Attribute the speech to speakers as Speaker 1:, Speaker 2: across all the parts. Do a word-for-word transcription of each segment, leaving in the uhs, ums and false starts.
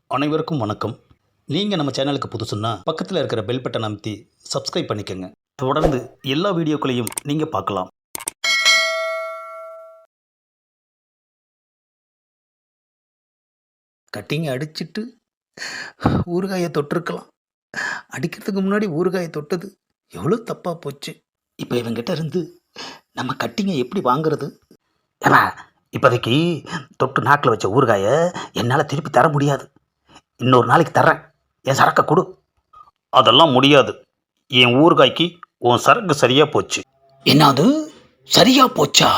Speaker 1: அனைவருக்கும் வணக்கம். நீங்கள் நம்ம சேனலுக்கு புதுசுன்னா பக்கத்தில் இருக்கிற பெல் பட்டன் அமைத்தி சப்ஸ்கிரைப் பண்ணிக்கோங்க. தொடர்ந்து எல்லா வீடியோக்களையும் நீங்கள் பார்க்கலாம். கட்டிங்கை அடிச்சிட்டு ஊறுகாயை தொட்டிருக்கலாம். அடிக்கிறதுக்கு முன்னாடி ஊறுகாயை தொட்டது எவ்வளோ தப்பாக போச்சு. இப்போ இவங்கிட்ட இருந்து நம்ம கட்டிங்கை எப்படி வாங்குறது? ஏன்னா இப்போதைக்கு தொட்டு நாக்கில் வச்ச ஊறுகாயை என்னால் திருப்பி தர முடியாது. இன்னொரு நாளைக்கு தர்றேன், என் சரக்கை கொடு. அதெல்லாம் முடியாது. என் ஊறுகாய்க்கு உன் சரக்கு சரியாக போச்சு. என்னது சரியாக போச்சா?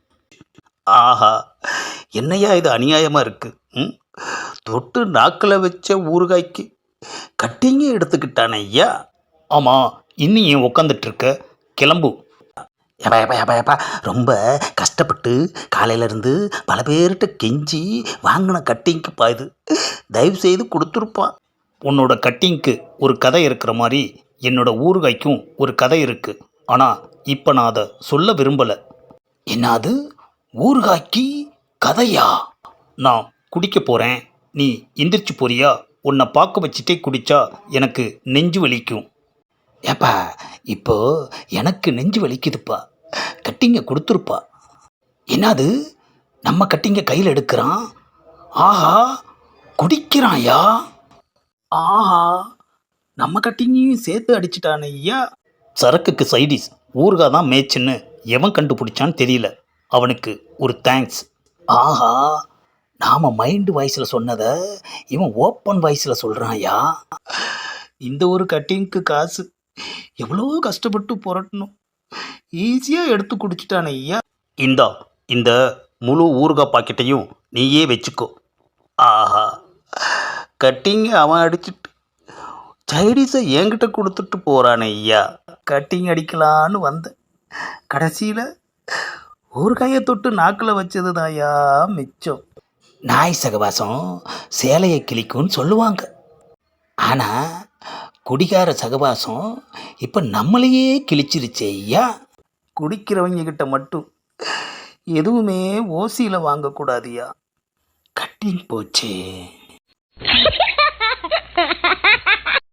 Speaker 1: ஆஹா, என்னையா இது அநியாயமாக இருக்குது. ம் தொட்டு நாக்கில் வச்ச ஊறுகாய்க்கு கட்டிங்க எடுத்துக்கிட்டானே ஐயா. ஆமாம், இன்னும் ஏன் உக்காந்துட்ருக்க? கிளம்பு. ஏப்பா ஏப்பா ஏப்பா ஏப்பா ரொம்ப கஷ்டப்பட்டு காலையிலேருந்து பல பேர்கிட்ட கெஞ்சி வாங்கின கட்டிங்க்குப்பா இது. தயவு செய்து கொடுத்துருப்பான். உன்னோட கட்டிங்க்கு ஒரு கதை இருக்கிற மாதிரி என்னோட ஊறுகாய்க்கும் ஒரு கதை இருக்குது. ஆனால் இப்போ நான் அதை சொல்ல விரும்பலை. என்னது ஊறுகாய்க்கு கதையா? நான் குடிக்க போகிறேன், நீ எந்திரிச்சு போறியா? உன்னை பார்க்க வச்சுட்டே குடித்தா எனக்கு நெஞ்சு வலிக்கும். ஏப்பா இப்போ எனக்கு நெஞ்சு வலிக்குதுப்பா, கட்டிங்க கொடுத்துருப்பா. என்னது நம்ம கட்டிங்க கையில் எடுக்கிறான்? ஆஹா, குடிக்கிறான்யா. ஆஹா, நம்ம கட்டிங்கையும் சேர்த்து அடிச்சிட்டானே ஐயா. சரக்குக்கு சைடிஸ் ஊறுகாய் தான் மேய்ச்சின்னு எவன் கண்டுபிடிச்சான்னு தெரியல. அவனுக்கு ஒரு தேங்க்ஸ். ஆஹா, நாம் மைண்டு வாய்ஸில் சொன்னதை இவன் ஓப்பன் வாய்ஸில் சொல்கிறான்யா. இந்த ஒரு கட்டிங்க்கு காசு எவ்வளோ கஷ்டப்பட்டு புரட்டணும், ஈஸியாக எடுத்து குடிச்சிட்டானே ஐயா. இந்தா இந்த முழு ஊறுகாய் பாக்கெட்டையும் நீயே வச்சுக்கோ. ஆஹா, கட்டிங்க அவன் அடிச்சிட்டு சைடிஸை என்கிட்ட கொடுத்துட்டு போகிறானே ஐயா. கட்டிங் அடிக்கலான்னு வந்தேன், கடைசியில் ஊறுகாயை தொட்டு நாக்கில் வச்சது தாயா மிச்சம். நாய் சகவாசம் சேலையை கிளிக்கும்னு சொல்லுவாங்க. ஆனால் குடிகார சகவாசம் இப்போ நம்மளையே கிழிச்சிருச்சே ஐயா. குடிக்கிறவங்க கிட்ட மட்டும் எதுவுமே ஓசியில் வாங்கக்கூடாதுயா. கட்டிங் போச்சே.